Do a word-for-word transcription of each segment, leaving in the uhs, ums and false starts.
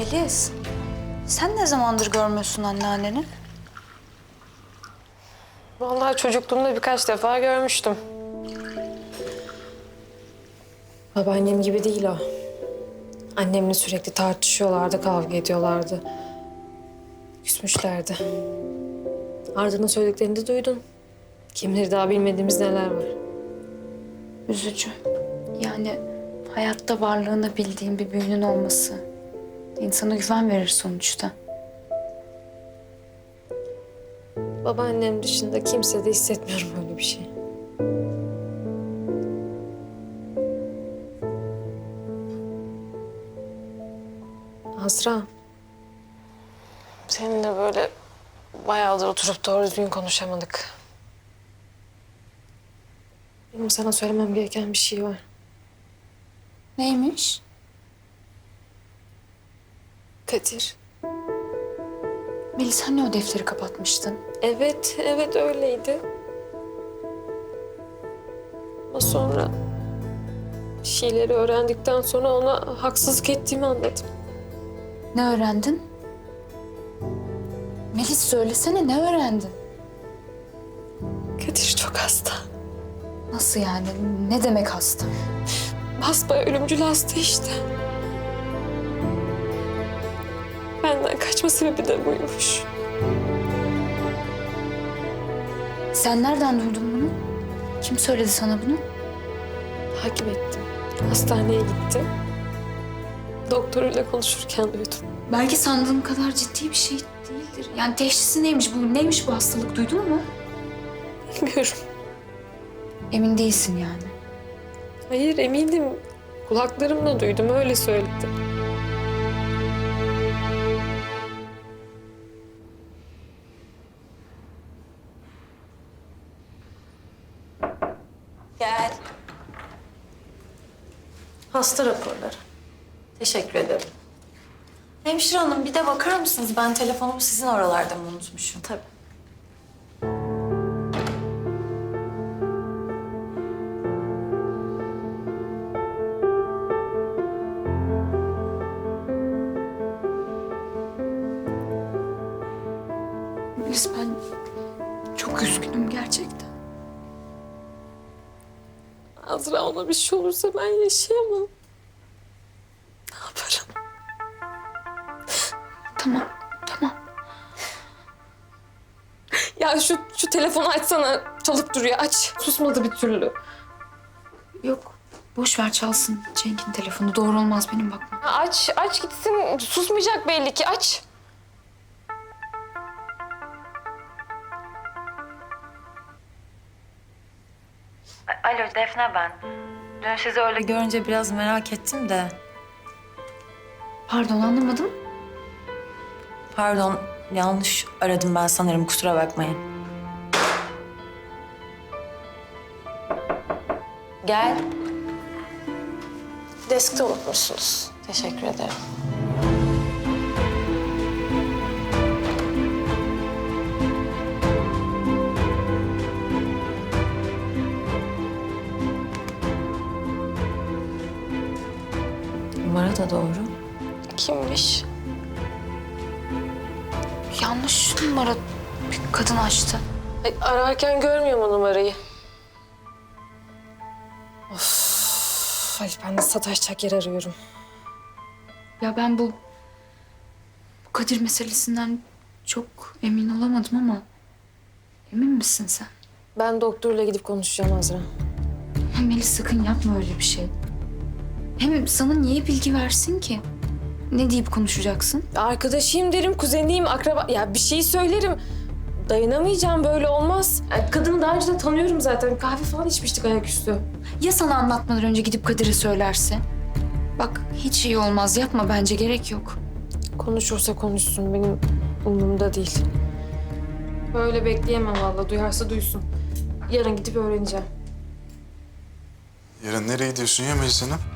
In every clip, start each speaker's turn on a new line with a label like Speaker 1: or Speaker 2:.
Speaker 1: Melis, sen ne zamandır görmüyorsun anneanneni?
Speaker 2: Vallahi çocukluğumda birkaç defa görmüştüm. Babaannem gibi değil o. Annemle sürekli tartışıyorlardı, kavga ediyorlardı. Küsmüşlerdi. Arda'nın söylediklerini de duydun. Kim bilir daha bilmediğimiz neler var.
Speaker 1: Üzücü. Yani hayatta varlığını bildiğin bir büyüğünün olması insana güven verir sonuçta.
Speaker 2: Babaannem dışında kimse de hissetmiyorum öyle bir şey. Azra. Seninle böyle bayağıdır oturup doğru düzgün konuşamadık. Benim sana söylemem gereken bir şey var.
Speaker 1: Neymiş?
Speaker 2: Kadir.
Speaker 1: Melis, hani o defteri kapatmıştın?
Speaker 2: Evet, evet öyleydi. Ama sonra bir şeyleri öğrendikten sonra ona haksızlık ettiğimi anladım.
Speaker 1: Ne öğrendin? Melis, söylesene, ne öğrendin?
Speaker 2: Kadir çok hasta.
Speaker 1: Nasıl yani? Ne demek hasta?
Speaker 2: Basbayağı ölümcül hasta işte. Benden kaçma sebebi de buymuş.
Speaker 1: Sen nereden duydun bunu? Kim söyledi sana bunu?
Speaker 2: Takip ettim. Hastaneye gittim. Doktoruyla konuşurken duydum.
Speaker 1: Belki sandığım kadar ciddi bir şey değildir. Yani teşhisi neymiş bu? Neymiş bu hastalık? Duydun mu?
Speaker 2: Bilmiyorum.
Speaker 1: Emin değilsin yani.
Speaker 2: Hayır eminim. Kulaklarımla duydum öyle söyledi.
Speaker 3: Gel.
Speaker 2: Hasta raporları. Teşekkür ederim.
Speaker 3: Hemşire hanım bir de bakar mısınız? Ben telefonumu sizin oralarda mı unutmuşum?
Speaker 2: Tabii.
Speaker 1: Melis, ben çok üzgünüm gerçekten.
Speaker 2: Azra ona bir şey olursa ben yaşayamam. Ne yaparım?
Speaker 1: Tamam, tamam.
Speaker 2: Ya şu şu telefonu açsana. Çalıp duruyor. Aç. Susmadı bir türlü.
Speaker 1: Yok, boş ver, çalsın Cenk'in telefonu. Doğru olmaz benim bakmam.
Speaker 2: Ha, aç. Aç gitsin. Susmayacak belli ki. Aç.
Speaker 3: Alo Defne ben. Dün sizi öyle görünce biraz merak ettim de.
Speaker 1: Pardon, anlamadım.
Speaker 3: Pardon yanlış aradım ben sanırım kusura bakmayın. Gel.
Speaker 2: Deskte unutmuşsunuz. Teşekkür ederim.
Speaker 3: Numara da doğru.
Speaker 2: Kimmiş?
Speaker 1: Yanlış numara bir kadın açtı.
Speaker 2: Ay, ararken görmüyor mu numarayı? Of. Ay ben de sataşacak yer arıyorum.
Speaker 1: Ya ben bu, bu Kadir meselesinden çok emin olamadım ama emin misin sen?
Speaker 2: Ben doktorla gidip konuşacağım Azra.
Speaker 1: Melis, sakın yapma öyle bir şey. Hem sana niye bilgi versin ki? Ne deyip konuşacaksın?
Speaker 2: Arkadaşıyım derim, kuzeniyim, akraba... Ya bir şey söylerim. Dayanamayacağım, böyle olmaz. Ya kadını daha önce de tanıyorum zaten. Kahve falan içmiştik ayaküstü.
Speaker 1: Ya sana anlatmadan önce gidip Kadir'e söylerse? Bak, hiç iyi olmaz. Yapma bence, gerek yok.
Speaker 2: Konuşursa konuşsun, benim umurumda değil. Böyle bekleyemem vallahi, duyarsa duysun. Yarın gidip öğreneceğim.
Speaker 4: Yarın nereye gidiyorsun ya Melis Hanım?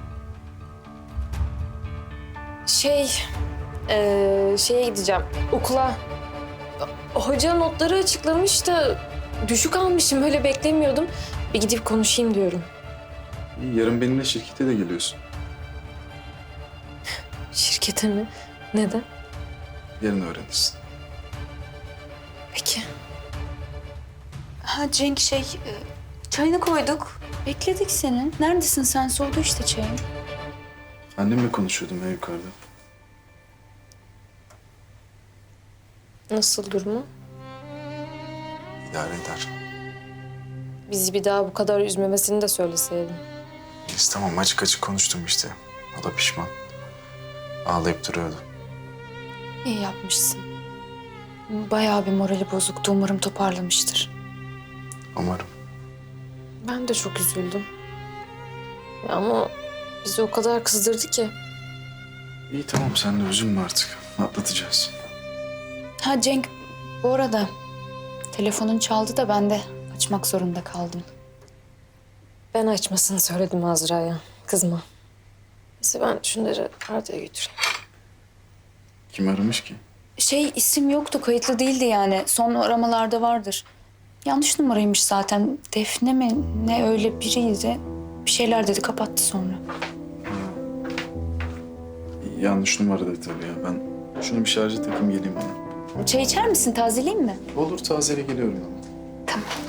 Speaker 2: Şey, ee, şeye gideceğim, okula. Hoca notları açıklamış da düşük almışım, öyle beklemiyordum. Bir gidip konuşayım diyorum.
Speaker 4: İyi, yarın benimle şirkete de geliyorsun.
Speaker 2: Şirkete mi? Neden?
Speaker 4: Yarın öğrenirsin.
Speaker 2: Peki.
Speaker 1: Ha Cenk şey, e, çayını koyduk. Bekledik seni. Neredesin sen? Soğudu işte çayın.
Speaker 4: Annemle konuşuyordum ya yukarıda.
Speaker 2: Nasıl durumu?
Speaker 4: İdare eder.
Speaker 2: Bizi bir daha bu kadar üzmemesini de söyleseydin.
Speaker 4: Biz tamam açık açık konuştum işte. O da pişman. Ağlayıp duruyordu.
Speaker 1: İyi yapmışsın. Bayağı bir morali bozuktu. Umarım toparlamıştır.
Speaker 4: Umarım.
Speaker 2: Ben de çok üzüldüm. Ya ama bizi o kadar kızdırdı ki.
Speaker 4: İyi tamam sen de üzülme artık. Atlatacağız.
Speaker 1: Ha Cenk, bu arada telefonun çaldı da ben de açmak zorunda kaldım.
Speaker 2: Ben açmasını söyledim Azra'ya. Kızma. Neyse ben şunları Arda'ya götüreyim.
Speaker 4: Kim aramış ki?
Speaker 1: Şey isim yoktu, kayıtlı değildi yani. Son aramalarda vardır. Yanlış numaraymış zaten. Defne mi ne öyle biriydi. Bir şeyler dedi, kapattı sonra.
Speaker 4: Yanlış numaradı tabii ya. Ben şunu bir şarja takayım geleyim bana.
Speaker 1: Çay içer misin? Tazeleyeyim mi?
Speaker 4: Olur tazele geliyorum ama.
Speaker 1: Tamam.